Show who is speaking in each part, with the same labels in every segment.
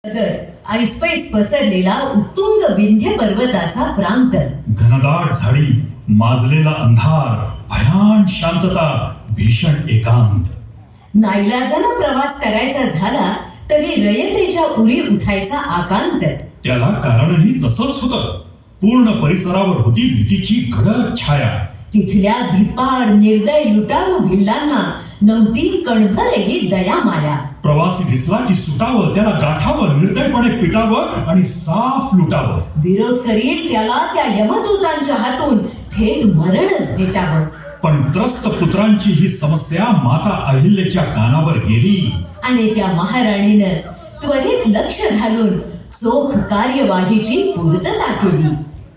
Speaker 1: ऐसपैस पसरलेला उत्तुंग विंध्य पर्वताचा प्रांत,
Speaker 2: घनदाट झाडी, माजलेला अंधार, भयान शांतता, भीषण एकांत.
Speaker 1: नाईलाजानं प्रवास करायचा झाला तरी रयतेच्या उरी उठायचा आकांत.
Speaker 2: त्याला कारणही तसंच होतं. पूर्ण परिसरावर होती भीतीची गडद छाया.
Speaker 1: तिथल्या धिप्पाड निर्दय लुटारू भिल्लांना नव्हती कणभरही दया माया.
Speaker 2: प्रवासी दिसला की सुटावं, त्याला गाठावं, निर्दयपणे पिटावं आणि साफ लुटावं.
Speaker 1: विरोध करील त्याला त्या यमदूतांच्या हातून थेट मरणच भेटावं.
Speaker 2: पण त्रस्त पुत्रांची ही समस्या माता अहिल्याच्या कानावर गेली
Speaker 1: आणि त्या महाराणीनं त्वरित लक्ष घालून चोख कार्यवाहीची पूर्तता केली.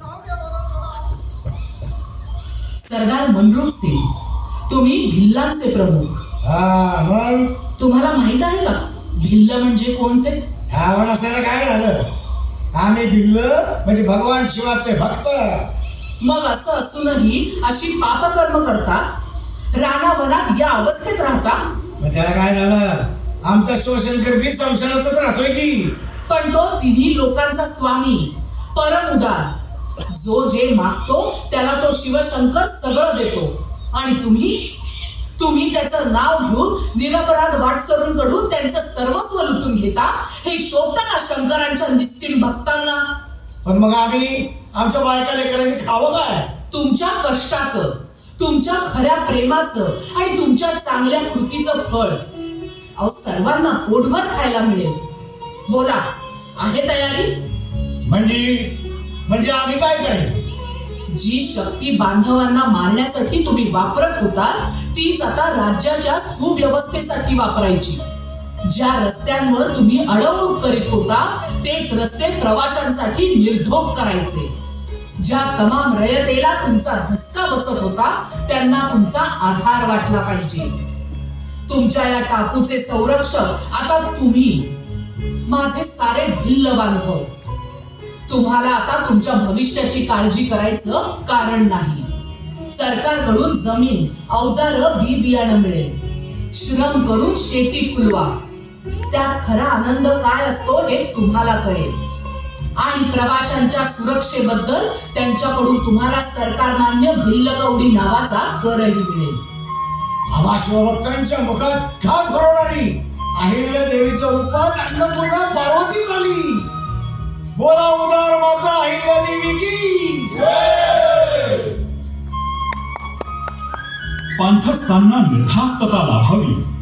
Speaker 3: सरदार मनरूप सिंग, तुम्ही भिल्लांचे प्रमुख.
Speaker 4: मग
Speaker 3: तुम्हाला माहित आहे का भिल्ल म्हणजे कोणते?
Speaker 4: ह्यावर असायला काय झालं? आम्ही भिल्ल म्हणजे भगवान शिवाचे भक्त.
Speaker 3: मग असं असूनही अशी पापकर्म करता, रानावनात या अवस्थेत राहता.
Speaker 4: मग त्याला काय झालं? आमचा शिवशंकर बी संशयातच राहतोय की.
Speaker 3: पण तो तिन्ही लोकांचा स्वामी, परम उदार. जो जे मागतो त्याला तो शिवशंकर सगळं देतो. आणि तुम्ही त्याचं नाव घेऊन निरपराध वाटसरूंकडून त्यांचं सर्वस्व लुटून घेता. हे शोभतं का शंकरांच्या निस्सीम भक्तांना?
Speaker 4: पण मग आम्ही आमच्या बायका लेकरांनी खावं काय?
Speaker 3: तुमच्या कष्टाचं, तुमच्या खऱ्या प्रेमाचं आणि तुमच्या चांगल्या कृतीचं फळ अहो सर्वांना पोटभर खायला मिळेल. बोला, आहे तयारी?
Speaker 4: म्हणजे आम्ही काय करायचं?
Speaker 3: जी शक्ती बांधवांना मारण्यासाठी तुम्ही वापरत होता तीच आता राज्याच्या सुव्यवस्थेसाठी वापरायची. ज्या रस्त्यांवर तुम्ही अडवणूक करीत होता तेच रस्ते प्रवाशांसाठी निर्धोक करायचे. ज्या तमाम रयतेला तुमचा धक्का बसत होता त्यांना तुमचा आधार वाटला पाहिजे. तुमच्या या टापूचे संरक्षक आता तुम्ही, माझे सारे भिल्ल बांधव. तुम्हाला आता तुमच्या भविष्याची काळजी करायचं कारण नाही. सरकारकडून जमीन, अवजार, बी बियाणं मिळेल. श्रम करून शेती फुलवा. त्यात खरा आनंद काय असतो हे तुम्हाला कळेल. आणि प्रवाशांच्या सुरक्षेबद्दल त्यांच्याकडून तुम्हाला सरकारमान्य भिल्लकवडी नावाचा करही मिळेल.
Speaker 4: आम्हा शिवभक्तांच्या मुखात घास भरवणारी अहिल्या देवीच्या रूपात अन्नपूर्णा पार्वती झाली. बोला उदार माता अहिल्या देवी की.
Speaker 2: पांथस्तांना निर्धास्तता लाभावी